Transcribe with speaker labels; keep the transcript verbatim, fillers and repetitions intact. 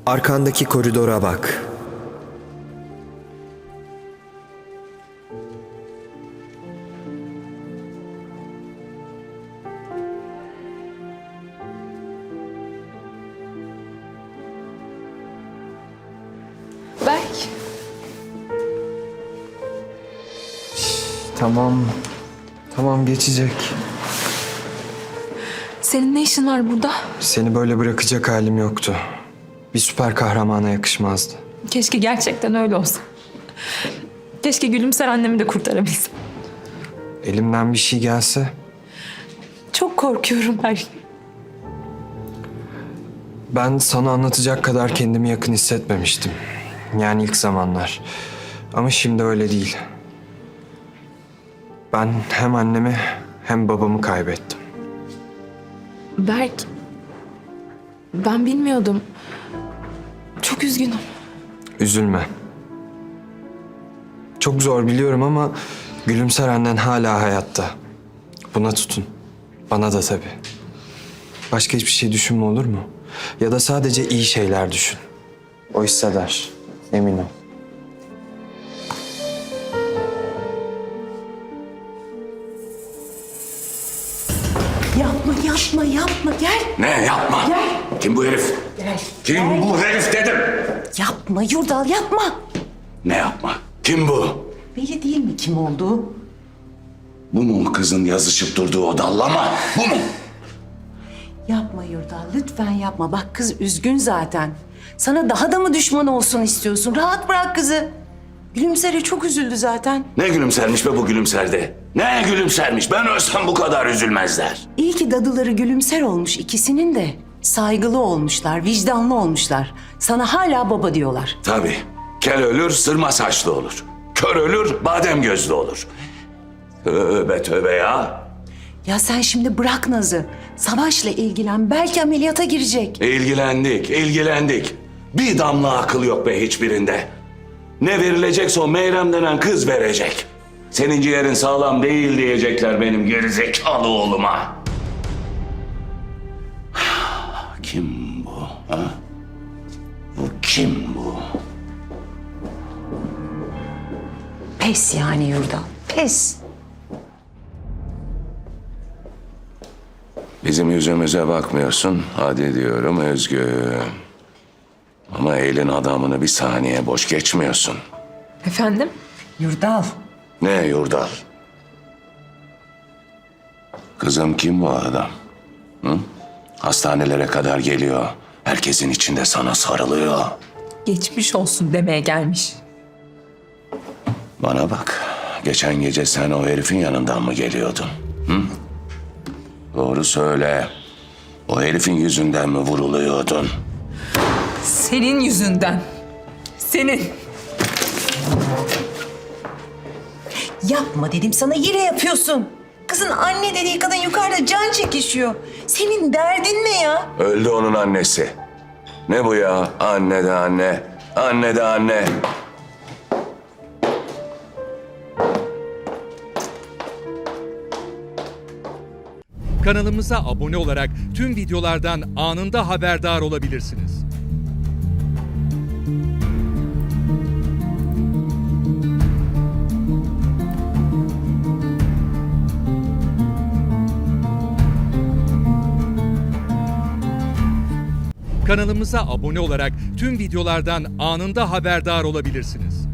Speaker 1: Arkandaki koridora bak.
Speaker 2: Berk.
Speaker 1: Tamam. Tamam, geçecek.
Speaker 2: Senin ne işin var burada?
Speaker 1: Seni böyle bırakacak halim yoktu. Bir süper kahramana yakışmazdı.
Speaker 2: Keşke gerçekten öyle olsa. Keşke Gülümser annemi de kurtarabilsem.
Speaker 1: Elimden bir şey gelse
Speaker 2: Çok korkuyorum Berk.
Speaker 1: ben sana anlatacak kadar kendimi yakın hissetmemiştim. Yani ilk zamanlar. Ama şimdi öyle değil. Ben hem annemi hem babamı kaybettim.
Speaker 2: Berk. Ben bilmiyordum. Çok üzgünüm.
Speaker 1: Üzülme. Çok zor biliyorum ama Gülümser annen hala hayatta. Buna tutun. Bana da tabii. Başka hiçbir şey düşünme, olur mu? Ya da sadece iyi şeyler düşün. O hisseder. Emin ol.
Speaker 3: Yapma, yapma, yapma. Gel.
Speaker 4: Ne yapma?
Speaker 3: Gel.
Speaker 4: Kim bu herif?
Speaker 3: Gel.
Speaker 4: Kim
Speaker 3: Gel.
Speaker 4: bu herif dedim.
Speaker 3: Yapma Yurdal, yapma.
Speaker 4: Ne yapma? Kim bu?
Speaker 3: Belli değil mi kim olduğu?
Speaker 4: Bu mu kızın yazışıp durduğu o dallama? Bu mu?
Speaker 3: Yapma Yurdal, lütfen yapma. Bak kız üzgün zaten. Sana daha da mı düşman olsun istiyorsun? Rahat bırak kızı. Gülümser'e çok üzüldü zaten.
Speaker 4: Ne gülümsermiş be bu gülümserde? Ne gülümsermiş? Ben ölsem bu kadar üzülmezler.
Speaker 3: İyi ki dadıları Gülümser olmuş ikisinin de. Saygılı olmuşlar, vicdanlı olmuşlar. Sana hala baba diyorlar.
Speaker 4: Tabii. Kel ölür, sırma saçlı olur. Kör ölür, badem gözlü olur. Tövbe tövbe ya.
Speaker 3: Ya sen şimdi bırak Naz'ı. Savaş'la ilgilen. Belki ameliyata girecek.
Speaker 4: İlgilendik, ilgilendik. Bir damla akıl yok be hiçbirinde. Ne verilecekse o Meyrem denen kız verecek. Senin ciğerin sağlam değil diyecekler benim gerizekalı oğluma. Kim bu? Ha? Bu kim bu?
Speaker 3: Pes yani Yurdal, pes.
Speaker 4: Bizim yüzümüze bakmıyorsun. Hadi diyorum Özgü. Ama elin adamını bir saniye boş geçmiyorsun.
Speaker 2: Efendim?
Speaker 3: Yurdal.
Speaker 4: Ne Yurdal? Kızım kim bu adam? Hı? Hastanelere kadar geliyor. Herkesin içinde sana sarılıyor.
Speaker 2: Geçmiş olsun demeye gelmiş.
Speaker 4: Bana bak. Geçen gece sen o herifin yanından mı geliyordun? Hı? Doğru söyle. O herifin yüzünden mi vuruluyordun?
Speaker 2: Senin yüzünden. Senin.
Speaker 3: Yapma dedim sana, yine yapıyorsun. Kızın anne dediği kadın yukarıda can çekişiyor. Senin derdin ne ya?
Speaker 4: Öldü onun annesi. Ne bu ya? Anne de anne. Anne de anne.
Speaker 5: Kanalımıza abone olarak tüm videolardan anında haberdar olabilirsiniz. Kanalımıza abone olarak tüm videolardan anında haberdar olabilirsiniz.